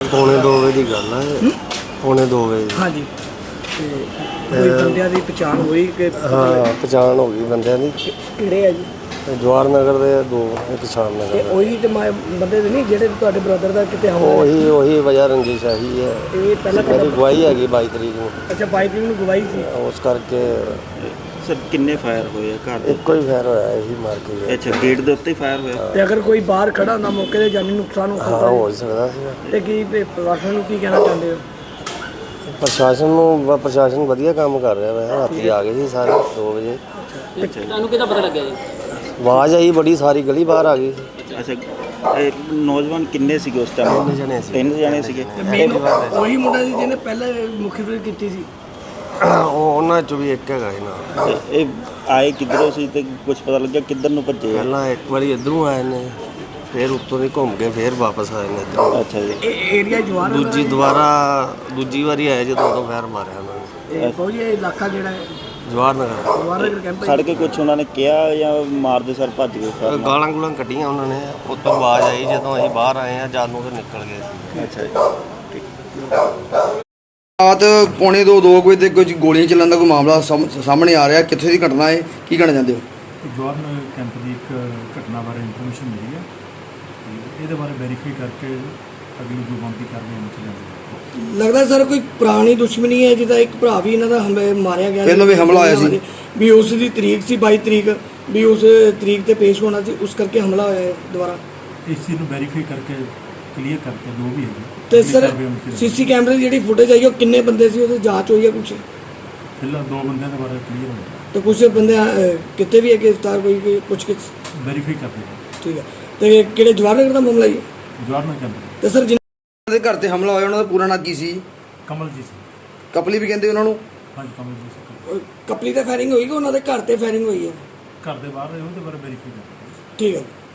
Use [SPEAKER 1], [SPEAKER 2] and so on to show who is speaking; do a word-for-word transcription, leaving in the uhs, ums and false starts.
[SPEAKER 1] ਪੌਣੇ ਦੋ ਵਜੇ ਦੀ ਗੱਲ ਹੈ। ਪੌਣੇ ਦੋ ਵਜੇ।
[SPEAKER 2] ਹਾਂਜੀ। ਤੇ ਕੋਈ ਬੰਦਿਆਂ ਦੀ ਪਛਾਣ ਹੋਈ ਕਿ
[SPEAKER 1] ਹਾਂ, ਪਛਾਣ ਹੋ ਗਈ ਬੰਦਿਆਂ ਦੀ।
[SPEAKER 2] ਕਿਹੜੇ ਆ ਜੀ?
[SPEAKER 1] ਜਵਾਹਰ ਨਗਰ ਦੇ ਦੋ, ਇੱਕ ਸ਼ਾਮ ਨਗਰ
[SPEAKER 2] ਤੇ
[SPEAKER 1] ਦੇ।
[SPEAKER 2] ਉਹੀ ਤੇ ਮੈਂ ਬੰਦੇ ਦੇ ਨਹੀਂ ਜਿਹੜੇ ਤੁਹਾਡੇ ਬ੍ਰਦਰ ਦਾ ਕਿਤੇ ਹਮਲਾ
[SPEAKER 1] ਉਹੀ ਉਹੀ ਵਜ੍ਹਾ ਰੰਜਿਸ਼ ਆਹੀ ਹੈ।
[SPEAKER 2] ਇਹ ਪਹਿਲਾਂ
[SPEAKER 1] ਮੇਰੀ ਗਵਾਹੀ ਹੈਗੀ ਬਾਈ ਤਰੀਕ ਨੂੰ।
[SPEAKER 2] ਅੱਛਾ, ਬਾਈ ਤਰੀਕ ਨੂੰ ਗਵਾਹੀ ਸੀ।
[SPEAKER 1] ਉਸ ਕਰਕੇ
[SPEAKER 3] ਸਰ ਕਿੰਨੇ ਫਾਇਰ ਹੋਏ ਆ ਘਰ ਦੇ?
[SPEAKER 1] ਇੱਕੋ ਹੀ ਫਾਇਰ ਹੋਇਆ, ਇਹੀ ਮਾਰ ਕੇ ਗਿਆ।
[SPEAKER 3] ਅੱਛਾ, ਗੇਟ ਦੇ ਉੱਤੇ ਹੀ ਫਾਇਰ ਹੋਇਆ?
[SPEAKER 2] ਤੇ ਅਗਰ ਕੋਈ ਬਾਹਰ ਖੜਾ ਹੁੰਦਾ ਮੌਕੇ ਤੇ ਜਾਨੀ ਨੁਕਸਾਨ ਹੋ
[SPEAKER 1] ਹਾਂ,
[SPEAKER 2] ਸਕਦਾ
[SPEAKER 1] ਹੋ ਸਕਦਾ ਸੀਗਾ।
[SPEAKER 2] ਤੇ ਕੀ ਪ੍ਰਸ਼ਾਸਨ ਨੂੰ ਕੀ ਕਹਿਣਾ ਚਾਹੁੰਦੇ ਹੋ?
[SPEAKER 1] ਪ੍ਰਸ਼ਾਸਨ ਨੂੰ ਪ੍ਰਸ਼ਾਸਨ ਵਧੀਆ ਕੰਮ ਕਰ ਰਿਹਾ ਵੈ। ਰਾਤੀ ਆ ਗਏ ਸੀ ਸਾਰੇ ਦੋ ਵਜੇ।
[SPEAKER 2] ਤੁਹਾਨੂੰ ਕਿਹਦਾ ਪਤਾ ਲੱਗਿਆ ਜੀ?
[SPEAKER 1] ਆਵਾਜ਼ ਆਈ ਬੜੀ, ਸਾਰੀ ਗਲੀ ਬਾਹਰ ਆ ਗਈ।
[SPEAKER 3] ਅੱਛਾ, ਇਹ ਨੌਜਵਾਨ ਕਿੰਨੇ ਸੀਗੇ ਉਸ ਟਾਈਮ?
[SPEAKER 1] ਤਿੰਨ ਜਣੇ ਸੀ।
[SPEAKER 3] ਤਿੰਨ ਜਣੇ ਸੀਗੇ।
[SPEAKER 2] ਉਹੀ ਮੁੰਡਾ ਸੀ ਜਿਹਨੇ ਪਹਿਲਾਂ ਮੁਖਬਰੀ ਕੀਤੀ ਸੀ।
[SPEAKER 1] ਉਹ ਉਹਨਾਂ ਚੋਂ ਵੀ ਇੱਕ ਹੈਗਾ ਸੀ ਨਾ।
[SPEAKER 3] ਤੇ ਇਹ ਆਏ ਕਿੱਧਰੋਂ ਸੀ ਤੇ ਕੁਝ ਪਤਾ ਲੱਗਿਆ ਕਿੱਧਰ ਨੂੰ ਭੱਜੇ?
[SPEAKER 1] ਪਹਿਲਾਂ ਇੱਕ ਵਾਰੀ ਇੱਧਰੋਂ ਆਏ ਨੇ, ਫਿਰ ਉੱਤੋਂ ਦੀ ਘੁੰਮ ਕੇ ਫਿਰ ਵਾਪਸ ਆਏ ਨੇ ਇੱਧਰੋਂ।
[SPEAKER 3] ਅੱਛਾ ਜੀ।
[SPEAKER 2] ਇਹ ਏਰੀਆ ਜਵਾਰ
[SPEAKER 1] ਦੂਜੀ ਦੁਬਾਰਾ ਦੂਜੀ ਵਾਰੀ ਆਏ ਜਦੋਂ ਉਦੋਂ ਫੈਰ ਮਾਰਿਆ ਉਹਨਾਂ ਨੇ।
[SPEAKER 2] ਇਹ ਫੌਜੀ ਇਹ ਇਲਾਕਾ ਜਿਹੜਾ ਹੈ
[SPEAKER 1] ਜਵਾਹਰ ਨਗਰ।
[SPEAKER 2] ਜਵਾਰ ਨਗਰ ਕੈਂਪ
[SPEAKER 3] ਖੜ ਕੇ ਕੁਝ ਉਹਨਾਂ ਨੇ ਕਿਹਾ ਜਾਂ ਮਾਰਦੇ ਸਰ ਭੱਜ ਗਏ?
[SPEAKER 1] ਗਾਲਾਂ ਗੁਲਾਂ ਕੱਢੀਆਂ ਉਹਨਾਂ ਨੇ। ਉਹ ਤੋਂ ਆਵਾਜ਼ ਆਈ ਜਦੋਂ ਅਸੀਂ ਬਾਹਰ ਆਏ ਆ, ਜਦ ਨੂੰ ਤੇ ਨਿਕਲ ਗਏ ਸੀ।
[SPEAKER 3] ਅੱਛਾ ਜੀ।
[SPEAKER 4] ਰਾਤ ਪੌਣੇ ਦੋ ਦੋ ਵਜੇ ਤੇ ਕੁਝ ਗੋਲੀਆਂ ਚੱਲਣ ਦਾ ਕੋਈ ਮਾਮਲਾ ਸਾਹਮ- ਸਾਹਮਣੇ ਆ ਰਿਹਾ। ਕਿੱਥੇ ਦੀ ਘਟਨਾ ਹੈ, ਕੀ ਕਹਿਣਾ ਚਾਹੁੰਦੇ ਹੋ?
[SPEAKER 5] ਜਵਾਹਰ ਨਗਰ ਕੈਂਪ ਦੀ ਇੱਕ ਘਟਨਾ ਬਾਰੇ ਇਨਫੋਰਮੇਸ਼ਨ ਮਿਲੀ ਹੈ ਤੇ ਇਹਦੇ ਬਾਰੇ ਵੈਰੀਫਾਈ ਕਰਕੇ ਅਗਲੀ ਜੋ ਬਣਦੀ ਕਾਰਵਾਈ ਅਮਲ 'ਚ ਲਿਆਂਦੀ।
[SPEAKER 2] ਲੱਗਦਾ ਸਰ ਕੋਈ ਪੁਰਾਣੀ ਦੁਸ਼ਮਣੀ ਹੈ ਜਿਹਦਾ ਇੱਕ ਭਰਾ ਵੀ ਇਹਨਾਂ ਦਾ ਹਮਲੇ ਮਾਰਿਆ ਗਿਆ
[SPEAKER 4] ਪਹਿਲਾਂ ਵੀ ਹਮਲਾ ਹੋਇਆ ਸੀ।
[SPEAKER 2] ਵੀ ਉਸ ਦੀ ਤਰੀਕ ਸੀ ਬਾਈ ਤਰੀਕ, ਵੀ ਉਸ ਤਰੀਕ ਤੇ ਪੇਸ਼ ਹੋਣਾ ਸੀ, ਉਸ ਕਰਕੇ ਹਮਲਾ ਹੋਇਆ ਹੈ ਦੁਬਾਰਾ।
[SPEAKER 5] ਇਸ ਚੀਜ਼ ਨੂੰ ਵੈਰੀਫਾਈ ਕਰਕੇ ਕਲੀਅਰ ਕਰਕੇ ਜੋ ਵੀ ਹੈਗੀ
[SPEAKER 2] ਤੇ
[SPEAKER 5] ਅਗਲੀ
[SPEAKER 2] ਸਰ
[SPEAKER 5] ਕਾਰਵਾਈ ਅਮਲ 'ਚ ਲਿਆਂਦੀ।
[SPEAKER 2] ਸੀਸੀ ਕੈਮਰੇ ਦੀ ਜਿਹੜੀ ਫੁਟੇਜ ਆਈ ਉਹ ਕਿੰਨੇ ਬੰਦੇ ਸੀ, ਉਹਦੀ ਜਾਂਚ ਹੋਈ ਹੈ ਕੁਛ?
[SPEAKER 5] ਫਿਲਹਾਲ ਦੋ ਬੰਦਿਆਂ ਦੇ ਬਾਰੇ ਕਲੀਅਰ ਹੋਇਆ,
[SPEAKER 2] ਤੇ ਕੁਛ ਬੰਦੇ ਅਹ, ਕਿਤੇ ਵੀ ਹੈ ਗ੍ਰਿਫਤਾਰ ਕੋਈ ਕੋਈ ਪੁੱਛ ਕੇ?
[SPEAKER 5] ਵੈਰੀਫਾਈ ਕਰਦੇ ਹਾਂ।
[SPEAKER 2] ਠੀਕ ਹੈ। ਤੇ ਕਿਹੜੇ ਜਵਾਹਰ ਨਗਰ ਦਾ ਮਾਮਲਾ ਜੀ?
[SPEAKER 5] ਜਵਾਹਰ ਨਗਰ ਕੈਂਪ
[SPEAKER 2] ਤੇ ਸਰ
[SPEAKER 4] ਉਹਨਾਂ ਦੇ ਘਰ ਤੇ ਹਮਲਾ ਹੋਇਆ, ਉਹਨਾਂ ਦਾ ਪੂਰਾ ਨਾਂ ਕੀ ਸੀ?
[SPEAKER 5] ਕਮਲਜੀਤ ਸਿੰਘ।
[SPEAKER 4] ਕਪਲੀ ਵੀ ਕਹਿੰਦੇ ਉਹਨਾਂ ਨੂੰ?
[SPEAKER 5] ਹਾਂਜੀ, ਕਮਲਜੀਤ ਸਿੰਘ।
[SPEAKER 2] ਅਹ, ਕਪਲੀ ਤੇ ਫਾਇਰਿੰਗ ਹੋਈ ਕਿ ਉਹਨਾਂ ਦੇ ਘਰ ਤੇ ਫਾਇਰਿੰਗ ਹੋਈ ਹੈ?
[SPEAKER 5] ਘਰ ਦੇ ਬਾਹਰ ਰਹੇ ਉਹਦੇ ਬਾਰੇ ਵੈਰੀਫਾਈ ਕਰਦੇ ਹਾਂ।
[SPEAKER 2] ਠੀਕ ਹੈ।